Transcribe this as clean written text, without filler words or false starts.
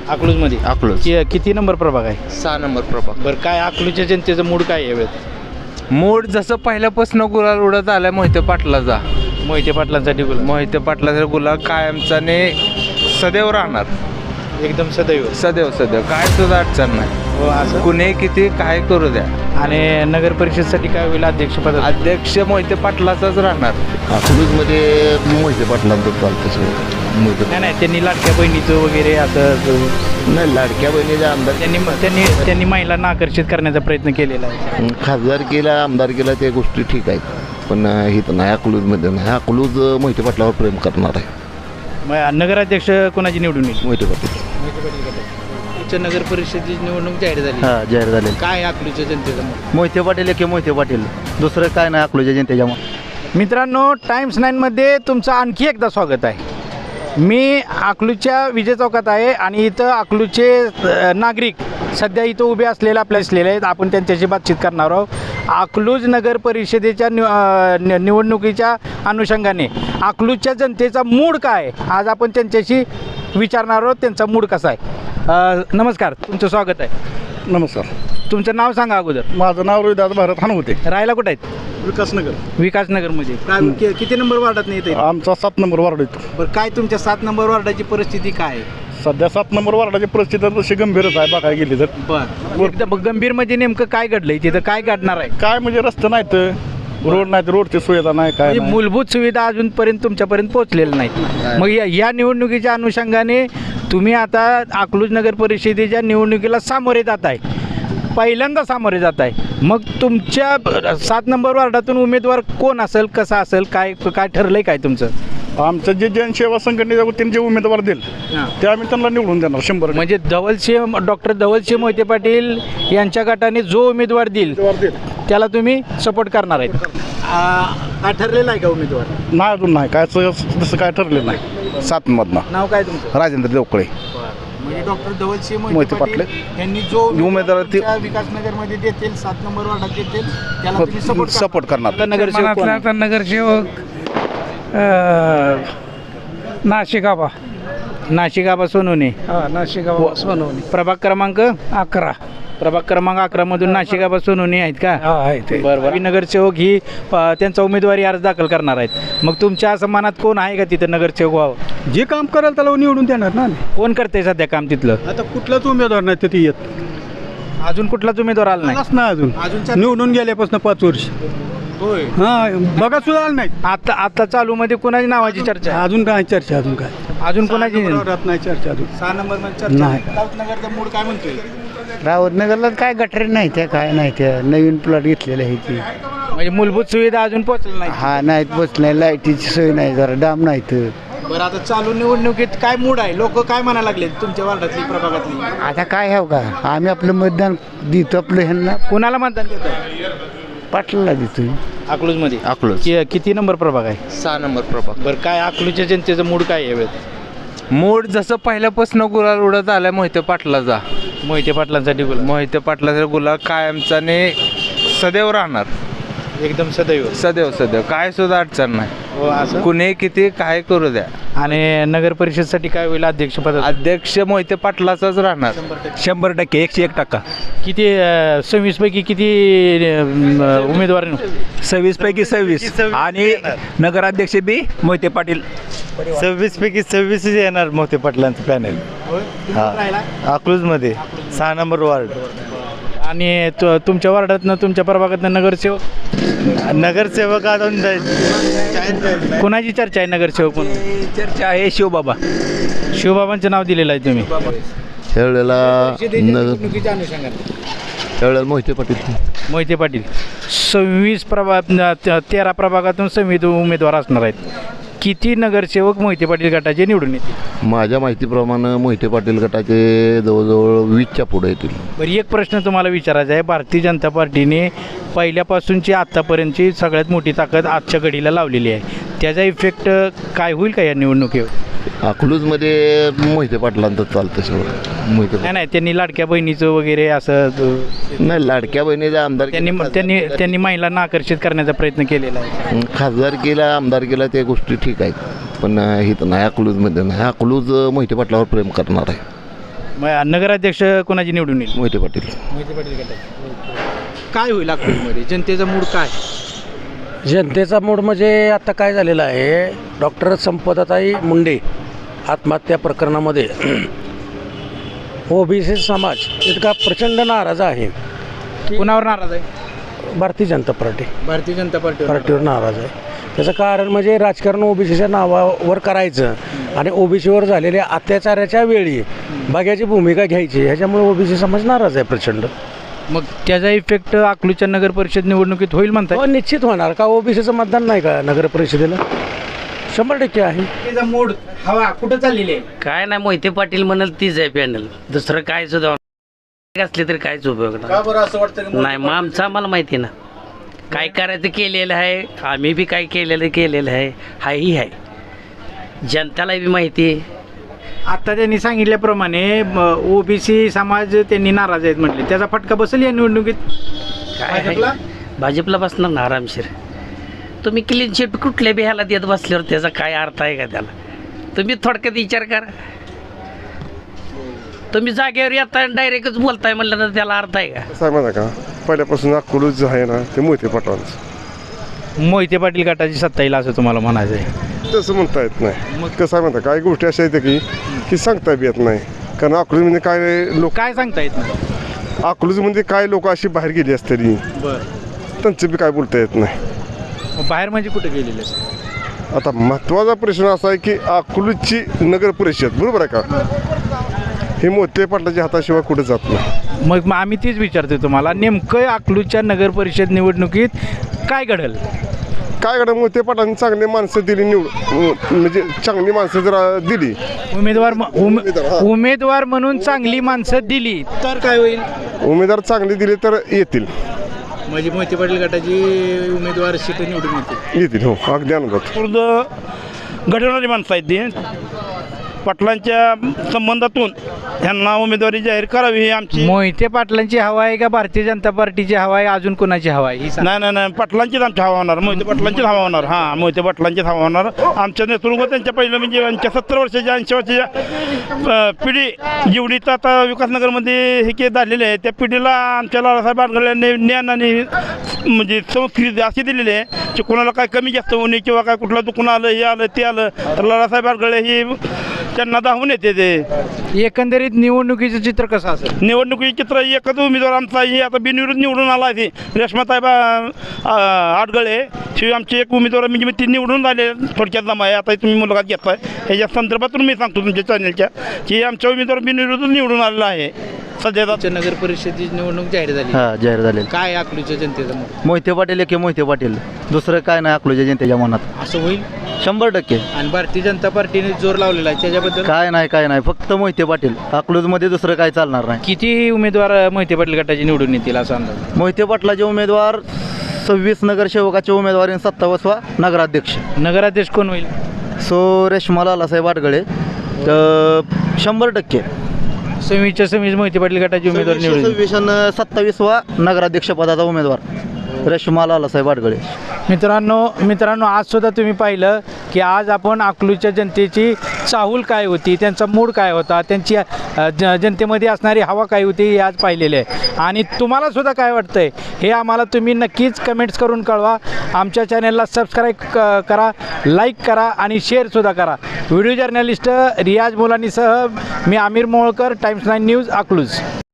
अकलूजमध्ये अकलूज किती नंबर प्रभाग आहे? 6 नंबर प्रभाग. बरं, काय अकलूजच्या जनतेचं मूड काय आहे यावेळेस? मूड जसं पहिल्यापासून गुलाल उडत आलाय मोहिते पाटलाचा. मोहिते पाटलांसाठी बोला. मोहिते पाटलाचा गुलाल कायमचाने सदैव राहणार. एकदम सदैव. सदैव सदैव काय सुद्धा अडचण नाही. हो असं. कुणी किती काय करू द्या. आणि नगर परिषदसाठी काय होईल अध्यक्षपद? अध्यक्ष मोहिते पाटलाचाच राहणार. अकलूजमध्ये मोहिते पाटलांचं चालतं सगळं. नाही नाही, त्यांनी लाडक्या बहिणीचं वगैरे असं नाही, लाडक्या बहिणीचा आमदार त्यांनी महिलांना आकर्षित करण्याचा प्रयत्न केलेला आहे. खासदारकीला आमदारकीला त्या गोष्टी ठीक आहेत, पण इथं नाही, अकलूजमध्ये नाही. अकलूज मोहिते पाटलावर प्रेम करणार आहे. मग नगराध्यक्ष कोणाची निवडून येईल? मोहिते पाटील. नगर परिषदेची निवडणूक जाहीर झाली. जाहीर झाले. काय अकलूजच्या जनतेचं मत? मोहिते पाटील की मोहिते पाटील, दुसरं काय नाही अकलूजच्या जनतेच्या. मित्रांनो, टाइम्स 9मध्ये तुमचं आणखी एकदा स्वागत आहे. मी अकलूजच्या विजय चौकात आहे आणि इथं अकलूजचे नागरिक सध्या इथं उभे असलेले आहेत. आपण त्यांच्याशी बातचीत करणार आहोत. अकलूज नगर परिषदेच्या निवडणुकीच्या अनुषंगाने अकलूजच्या जनतेचा मूड काय आज आपण त्यांच्याशी विचारणार आहोत. त्यांचा मूड कसा आहे? नमस्कार, तुमचं स्वागत आहे. नमस्कार. तुमचं नाव सांगा अगोदर. माझं नाव रोहिदास भारत हानवते. राहायला कुठं आहेत? विकासनगर. विकासनगरमध्ये. काय किती नंबर वार्डात नाही येते? आमचा 7 नंबर वार्ड येतो. बरं, काय तुमच्या 7 नंबर वार्डाची परिस्थिती काय आहे? सध्या 7 नंबर वार्डाची परिस्थिती तशी गंभीरच आहे बघायला गेली तर. बरं, एकदम गंभीर म्हणजे नेमकं काय घडलंय तिथं? काय घडणार आहे? काय म्हणजे रस्ते नाहीत, रोड नाहीत, रोडची सुविधा नाही, काय म्हणजे नाही. मूलभूत सुविधा अजूनपर्यंत तुमच्यापर्यंत पोहोचलेल्या नाहीत. मग या निवडणुकीच्या अनुषंगाने तुम्ही आता अकलूज नगर परिषदेच्या निवडणुकीला सामोरे जात आहे, पहिल्यांदा सामोरे जात आहे. मग तुमच्या 7 नंबर वार्डातून उमेदवार कोण असेल, कसा असेल, काय काय ठरलंय काय तुमचं? आमचं जे जनसेवा संघटनेच्या वतीने जे उमेदवार देईल ते आम्ही त्यांना निवडून देणार 100%. म्हणजे डॉक्टर धवलसिंह मोहिते पाटील यांच्या गटाने जो उमेदवार देईल त्याला तुम्ही सपोर्ट करणार आहेत. काय ठरलेलं आहे का उमेदवार? नाही, अजून नाही काय तसं काय ठरलेलं नाही. 7 मधनं नाव काय तुमचं? राजेंद्र देवकळे. म्हणजे डॉक्टर धवलसिंह मोहिते मोहिते पाटील पाटील यांनी जो उमेदवार ते- विकासनगरमध्ये देतील, 7 नंबर वार्डात देतील, त्याला तुम्ही सपोर्ट करणार. नगरसेवक कोण आहे? नगरसेवक नाशिकाबा. नाशिकाबा सोनवणे. नाशिकाबा सोनवणे. प्रभाग क्रमांक 11. प्रभाग क्रमांक 11 मधून नाशिकाबा सोनवणे आहेत का? आहे ते. बरोबर. नगरसेवक ही त्यांचा उमेदवारी अर्ज दाखल करणार आहेत. मग तुमच्या असं मनात कोण आहे का तिथं नगरसेवक व्हावं? जे काम कराल त्याला निवडून देणार ना. कोण करते सध्या काम तिथलं? आता कुठलाच उमेदवार नाही तिथे येत. अजून कुठलाच उमेदवार आला नाही? नाही अजून निवडून गेल्यापासून 5 वर्ष. होय. बघा सुद्धा आलं नाही. आता चालू मध्ये कुणाची नावाची चर्चा आहे? अजून काय चर्चा, अजून काय अजून कोणाची नाही चर्चा अजून. 6 नंबर मध्ये चर्चा नाही. राऊतनगरचा मूड काय म्हणतोय? रावतनगरला काय गटरे नाही त्या, काय नाही त्या, नवीन प्लॉट घेतलेले आहे ती. म्हणजे मूलभूत सुविधा अजून पोहोचली नाही. हा नाहीत, बस नाही, लाईटीची सोय नाही, जरा डाम नाहीत. बरं, आता चालू निवडणुकीत काय मूड आहे? लोक काय म्हणायला लागले तुमच्या वार्डातली, प्रभागातली? आता काय हवं का, आम्ही आपलं मतदान देतो आपलं ह्यांना, कुणाला मतदान देत? पाटलाला देतो. अकलूज मध्ये. अकलूज किती नंबर प्रभाग आहे? 6 नंबर प्रभाग. बरं, काय अकलूजच्या जनतेचं मूड काय आहे यावेळेस? मूड जसं पहिल्यापासून गुलाल उडत आलाय मोहिते पाटलाचा. मोहिते पाटलांसाठी बोला. मोहिते पाटलाचा गुलाल कायमचाने सदैव राहणार. एकदम सदैव. सदैव सदैव काय सुद्धा अडचण नाही. हो असं. कुणी किती काय करू द्या. आणि नगर परिषदसाठी काय होईल अध्यक्षपद? अध्यक्ष मोहिते पाटलाचाच राहणार. 100%, 101%. किती 26 पैकी किती उमेदवार? 26 पैकी 26 आणि नगराध्यक्ष बी मोहिते पाटील. 26 पैकी 26 येणार मोहिते पाटलांचं पॅनल. अकलूजमध्ये 6 नंबर वार्ड. आणि तुमच्या वार्डातनं, तुमच्या प्रभागातनं नगरसेवक अजून कोणाची चर्चा आहे नगरसेवक म्हणून? चर्चा आहे शिवबाबा. शिवबाबांचं नाव दिलेलं आहे तुम्ही. त्यावेळेला निवडणुकीच्या अनुषंगाने त्यावेळेला मोहिते पाटील. मोहिते पाटील 26 13 प्रभागातून 26 उमेदवार असणार आहेत. किती नगरसेवक मोहिते पाटील गटाचे निवडून येतील? माझ्या माहितीप्रमाणे मोहिते पाटील गटाचे जवळजवळ 20च्या पुढे येतील. बरं, एक प्रश्न तुम्हाला विचारायचा आहे. भारतीय जनता पार्टीने पहिल्यापासूनची आत्तापर्यंतची सगळ्यात मोठी ताकद आजच्या घडीला लावलेली आहे. त्याचा इफेक्ट काय होईल का या निवडणुकीवर? अकलूजमध्ये मोहिते पाटलांचं चालतं सगळं. मोहिते नाही नाही, त्यांनी लाडक्या बहिणीचं वगैरे असं नाही, लाडक्या बहिणीचा आमदार त्यांनी महिलांना आकर्षित करण्याचा प्रयत्न केलेला आहे. खासदारकीला आमदारकीला त्या गोष्टी ठीक आहेत, पण इथं नाही, अकलूजमध्ये नाही. अकलूज मोहिते पाटलावर प्रेम करणार आहे. मग नगराध्यक्ष कोणाची निवडून येईल? मोहिते पाटील. मोहिते पाटील गटाची. काय होईल अकलूजमध्ये जनतेचा मूड काय? जनतेचा मूड म्हणजे आता काय झालेला आहे, डॉक्टर संपदाताई मुंडे आत्महत्या प्रकरणामध्ये ओबीसी समाज इतका प्रचंड नाराज आहे की कुणावर नाराज आहे? भारतीय जनता भारतीय जनता पार्टीवर नाराज आहे. त्याचं कारण म्हणजे राजकारण ओबीसीच्या नावावर करायचं आणि ओबीसीवर झालेल्या अत्याचाराच्या वेळी बघ्याची भूमिका घ्यायची, ह्याच्यामुळे ओबीसी समाज नाराज आहे प्रचंड. मग त्याचा इफेक्ट अकलूजच्या नगर परिषद निवडणुकीत होईल म्हणताय? हो, निश्चित होणार. का ओबीसीचं मतदान नाही का नगर परिषदेला? 100% आहे. त्याचा मूड हवा कुठं चाललेली आहे? काय नाही, मोहिते पाटील म्हणाल तीच आहे पॅनल, दुसरं काय सुद्धा असले तरी काहीच उपयोग का बरं असं वाटतं? नाही. मग आमचं आम्हाला माहिती ना काय करायचं केलेलं आहे, आम्ही बी काय केलेलं आहे, हाही आहे, जनताला बी माहिती आहे. आता त्यांनी सांगितल्याप्रमाणे ओबीसी समाज त्यांनी नाराज आहेत म्हटले, त्याचा फटका बसेल या निवडणुकीत? काय आहे, भाजपला बसणार ना आरामशीर. तुम्ही क्लीन शीट कुठल्या बी ह्याला देत बसल्यावर त्याचा काय अर्थ आहे का? त्याला तुम्ही थोडक्यात विचार करा. तुम्ही जागेवर येताय डायरेक्टच बोलताय म्हणलं तर त्याला अर्थ आहे का? कसं आहे माहिती का, पहिल्यापासून अकलूज जे आहे ना ते मोहिते पाटलांचं. मोहिते पाटील गटाची सत्ता येईल असं तुम्हाला म्हणायचं आहे? तसं म्हणता येत नाही. मग कसं आहे माहिती काही गोष्टी अशा आहेत की सांगता बी येत नाही. कारण अकलूजमध्ये काय लोक, काय सांगता येत नाही? अकलूजमध्ये काय लोक अशी बाहेर गेली असतरी बरं, त्यांचं बी काय बोलता येत नाही. बाहेर म्हणजे कुठे गेलेले? आता महत्त्वाचा प्रश्न असा आहे की अकलूजची नगर परिषद बरोबर आहे का, हे मोहिते पाटलाच्या हाताशिवाय कुठे जात नाही. मग आम्ही तीच विचारतोय तुम्हाला, नेमकं अकलूजच्या नगर परिषद निवडणुकीत काय घडेल? काय करा, मोहिते पाटलांनी चांगली माणसं दिली म्हणजे चांगली माणसं जर दिली, उमेदवार म्हणून चांगली माणसं दिली तर काय होईल? उमेदवार चांगले दिले तर येतील. म्हणजे मोहिते पाटील गटाची उमेदवार सीट निवडून येतील. हो, अगदी आनंदात. घडवणारी माणसं आहेत ती. पाटलांच्या संबंधातून ह्यांना उमेदवारी जाहीर करावी ही आमची. मोहिते पाटलांची हवा आहे का भारतीय जनता पार्टीची हवा आहे, अजून कोणाची हवा आहे? नाही, पाटलांचीच आमची हवा होणार, मोहिते पाटलांचीच हवा होणार. हां, मोहिते पाटलांचीच हवा होणार. आमच्या नेतृत्व त्यांच्या पहिलं म्हणजे यांच्या 70 वर्षाच्या 80 वर्षाच्या पिढी जेवढी तर आता विकासनगरमध्ये हे के झालेले आहे, त्या पिढीला आमच्या लालासाहेब बारगळ्यांनी ज्ञान आणि म्हणजे संस्कृती अशी दिलेली आहे की कोणाला काय कमी जास्त होणे किंवा काय कुठलं दुखणं आलं, हे आलं ते आलं तर लालासाहेब बारगळे ही त्यांना धावून येते. ते एकंदरीत निवडणुकीचं चित्र कसं असेल? निवडणुकीचे चित्र एकच उमेदवार आमचा ही आता बिनविरोध निवडून आला आहे, रेश्माताई आडगळे ही आमची एक उमेदवार म्हणजे ती निवडून आले. थोडक्यात जमा आहे, आता तुम्ही मुलाखत घेताय ह्याच्या संदर्भातून मी सांगतो तुमच्या चॅनलच्या की आमच्या उमेदवार बिनविरोध निवडून आलेला आहे. सध्या नगर परिषदेची निवडणूक जाहीर झाली. हां, जाहीर झाले. काय अकलूजच्या जनतेचं मत? मोहिते पाटील की मोहिते पाटील, दुसरं काय नाही अकलूजच्या जनतेच्या मनात. असं होईल? 100%. आणि भारतीय जनता पार्टीने जोर लावलेला आहे त्याच्याबद्दल? काय नाही, फक्त मोहिते पाटील. अकलूजमध्ये दुसरं काय चालणार नाही. किती उमेदवार मोहिते पाटील गटाचे निवडून येतील असा अंदाज? मोहिते पाटलाचे उमेदवार 26 नगरसेवकाचे उमेदवार आणि 27वा नगराध्यक्ष. नगराध्यक्ष कोण होईल? रेश्मा लालासाहेब आडगळे. तर 100%. 26 मोहिते पाटील गटाचे उमेदवार निवडून 27वा नगराध्यक्ष पदाचा उमेदवार रेश्मा लालासाहेब आडगळे. मित्रांनो आज सुद्धा तुम्ही पाहिलं की आज आपण अकलूजच्या जनतेची चाहूल काय होती, त्यांचा मूड काय होता, त्यांची जनतेमध्ये असणारी हवा काय होती हे आज पाहिलेले आहे. आणि तुम्हाला सुद्धा काय वाटतंय हे आम्हाला तुम्ही नक्कीच कमेंट्स करून कळवा. आमच्या चॅनलला सबस्क्राईब करा, लाईक करा आणि शेअरसुद्धा करा. व्हिडिओ जर्नलिस्ट रियाज मुलानीसह मी आमिर मोहोळकर, टाइम्स 9 न्यूज अकलूज.